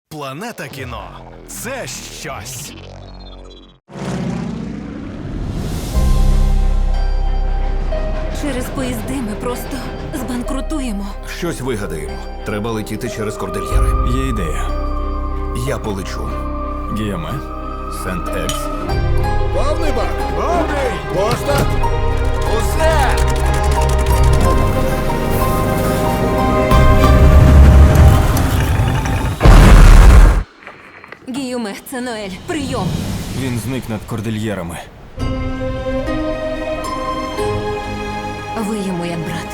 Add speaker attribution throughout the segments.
Speaker 1: Планета кіно – це щось.
Speaker 2: Через поїзди ми просто збанкрутуємо.
Speaker 3: Щось вигадаємо. Треба летіти через кордильєри.
Speaker 4: Є ідея.
Speaker 3: Я полечу.
Speaker 4: Гіоме.
Speaker 3: Сент-Екс.
Speaker 5: Повний бак! Повний! Поста!
Speaker 3: Усе!
Speaker 2: Гіюме, це Ноель. Прийом.
Speaker 4: Він зник над кордильєрами.
Speaker 2: Ви йому як брат.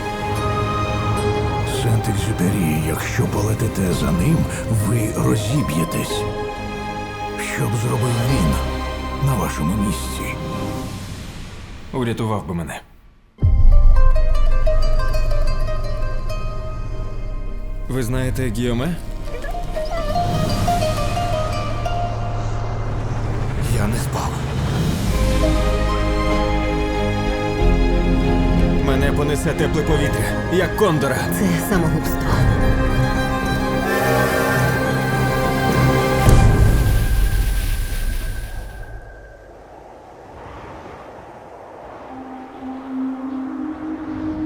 Speaker 5: Сент-Екзюпері, якщо полетите за ним, ви розіб'єтесь. Що б зробив він на вашому місці?
Speaker 4: Урятував би мене. Ви знаєте Гіоме?
Speaker 3: Я не спав.
Speaker 4: Мене понесе тепле повітря, як кондора.
Speaker 2: Це самогубство.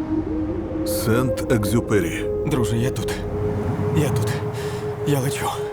Speaker 5: Сент-Екзюпері.
Speaker 4: Друже, я тут. Я тут. Я лечу.